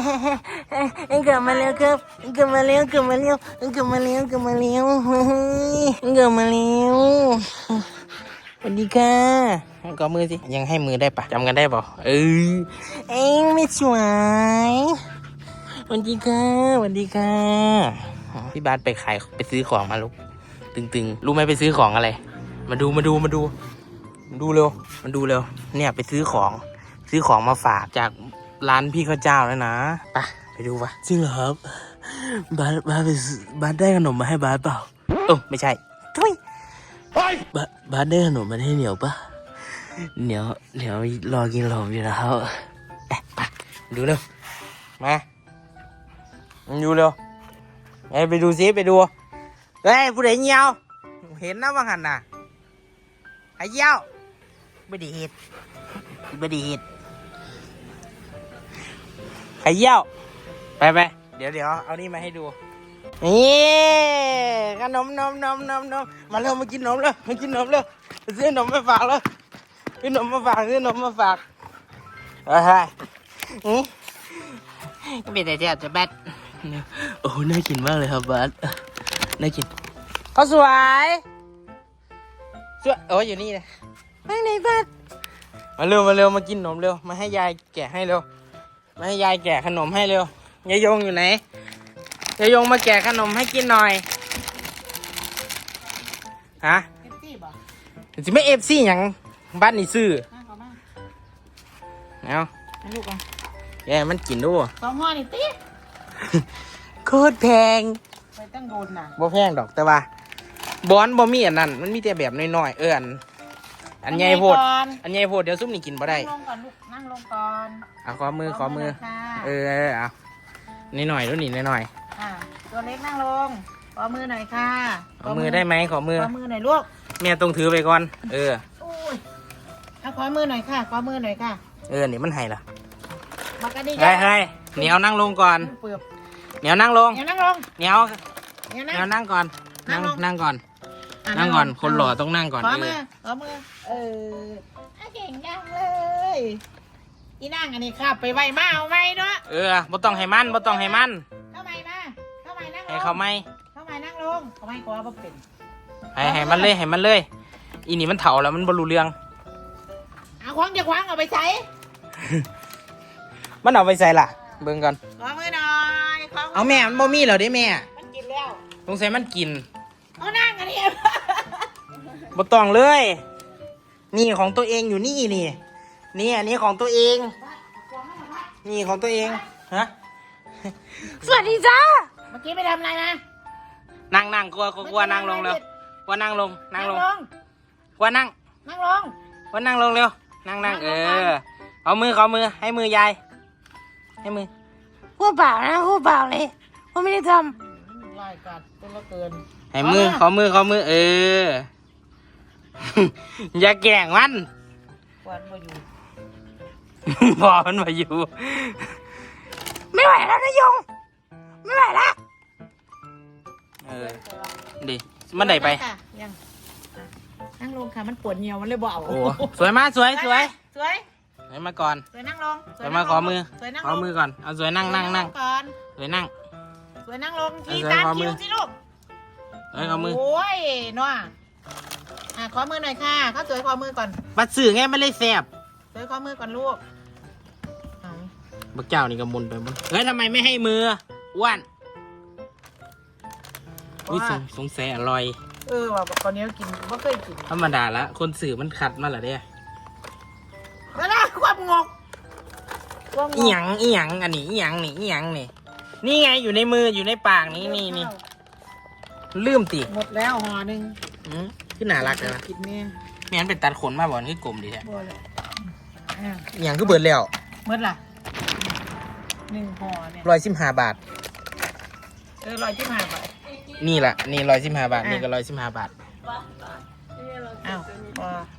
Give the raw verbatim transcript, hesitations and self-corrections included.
กลับมาแล้วครับกลับมาแล้วกลับมาแล้วกลับมาแล้วกลับมาแล้วกลับมาแล้วสวัสดีค่ะกอมือสิยังให้มือได้ปะจำกันได้ป่ะเออเอ็งไม่สวยสวัสดีค่ะสวัสดีค่ะพี่บาสไปขายไปซื้อของมาลูกตึงๆรู้ไหมไปซื้อของอะไรมาดูมาดูมาดูมาดูเร็วมาดูเร็วเนี่ยไปซื้อของซื้อของมาฝากจากร้านพี่ข้าวเจ้าแล้วนะไปไปดูปะจริงเหรอครับบาสบาสไปบาสได้ขนมมาให้บาสเปล่าเออไม่ใช่ทุยบาสบาสได้ขนมมาให้เหนียวปะเหนียวเหนียวรอกินขนมอยู่แล้วไปไปดูเร็วมาดูเร็วไอ้ไปดูซิไปดูเฮ้ยผู้ใดเหี่ยวเห็นนะว่าหันน่ะไอ้เหี่ยวไม่ดีเหตุไม่ดีเหตุไอ้เหี่ยวไปไปเดี๋ยวเดี๋ยวเอานี่มาให้ดูนี่ขนมนมนมนมนมมาเร็วมากินนมเร็วมากินนมเร็วซื้อนมมาฝากเลยซื้อนมมาฝากซื้อนมมาฝากเฮ้ยอืมก็เป็นแต่เจ้าจะแบดโอ้น่ากินมากเลยครับบัสน่ากินเขาสวยสวยโอ้ยอยู่นี่เลยไปไหนบัสมาเร็วมาเร็วมากินขนมเร็วมาให้ยายแกะให้เร็วมาให้ยายแกะขนมให้เร็วยายยงอยู่ไหนยายยงมาแกะขนมให้กินหน่อยฮะเอฟซีบ่จะไม่เอฟซีอย่างบ้านนี่ซื้อเอาลูกอ่ะแกมันกินด้วยสองห่อนี่ติ๊กโคตรแพงไปตั้งโดนน่ะบ่แพงดอกแต่ว่าบอนบ่มีอันนั้นมันมีแต่แบบน้อยๆเอออันอันใหญ่โพดอันใหญ่โพดเดี๋ยวซุปนี่กินบ่ได้นั่งลงก่อนลูกนั่งลงก่อนเอาขอมือขอมือเออเอานิดหน่อยดูนี่นิดหน่อยอ่าตัวเล็กนั่งลงขอมือหน่อยค่ะขอมือได้ไหมขอมือขอมือหน่อยลูกแม่ต้องถือไปก่อนเออโอ้ยเอาขอมือหน่อยค่ะขอมือหน่อยค่ะเออนี่มันให้ล่ะมากันดิเฮ้ยเฮ้ยเหนียวนั่งลงก่อนเหนียวนั่งลงเหนียวนั่งลงเหนียวเหนียวนั่งก่อนนั่งนั่งก่อนนั่งก่อนคนหล่อต้องนั่งก่อนขอมือขอมือเออเก่งจังเลยอีนั่งอันนี้ครับไปไวมาเอาไวเนาะเออบ่ต้องให้มันบ่ต้องให้มันเข้าไปมาเข้าไปนั่งลงให้เขาไม่เข้าไปนั่งลงเขาไม่กลัวบ่เป็นให้ให้มันเลยให้มันเลยอีนี่มันเถ่าแล้วมันบ่รู้เรื่องเอาควางจะควางเอาไปใส่มันเอาไปใส่ล่ะเบิ่งก่อนขอมือหน่อยเอาแม่มันบ่มีเหรอเด้แม่มันกินแล้วสงสัยมันกินเอานั่งอันนี้บ่ต้องเลยนี่ของตัวเองอยู่นี่นี่นี่อันนี้ของตัวเองนี่ของตัวเองฮะสวัสดีจ้าเมื่อกี้ไปทำอะไรนะนั่งนั่งกลัวกลัวนั่งลงเร็วกลัวนั่งลงนั่งลงกลัวนั่งนั่งลงกลัวนั่งลงเร็วนั่งนั่งเออเอามือเอามือให้มือยายให้มือหัวเปล่านะหัวเปล่าเลยว่าไม่ได้ทำไล่กัดจนละเกินให้มือขอมือขอมือเอออย่าแกล้งมันวันมาอยู่พอมันมาอยู่ไม่ไหวแล้วนะยงไม่ไหวแล้วเออดิมันไหนไปยังนั่งลงค่ะมันปวดเหี่ยวมันเลยบ่เอาโอ้สวยมากสวยสวยสวยสวยมาก่อนสวยนั่งลงสวยมาขอมือขอมือก่อนเอาสวยนั่งนั่งนั่งก่อนสวยนั่งสวยนั่งลงที่ตามคิวสิลูกเอ้ยขอมือโอ้ยนัวอ่ะขอมือหน่อยค่ะเขาสวยขอมือก่อนบัดสื่อไงไม่เลยแสบสวยขอมือก่อนลูกบักเจ้านี่กำมุนไปมุนเฮ้ยทำไมไม่ให้มืออ้วนอุ้ยสงสัยอร่อยเออว่าตอนนี้กินไม่เคยกินธรรมดาละคนสื่อมันขัดมาเหรอเนี่ยแล้วนะความงกอีหยังอีหยังอันนี้อีหยังนี่อีหยังนี่นี่ไงอยู่ในมืออยู่ในปากนี่นี่นี่ลืมติหมดแล้วห่อหนึ่งขึ้นหนารักเลยนะกินแม่แม่นเป็นตัดขนมาบ่อนคือกลมดีแท้อีหยังคือเบิดแล้วเบิดล่ะหนึ่งห่อเนี่ยร้อยสิบห้าบาทเออร้อยสิบห้าบาทนี่แหละนี่ร้อยสิบห้าบาทนี่ก็ร้อยสิบห้าบาทอ้าว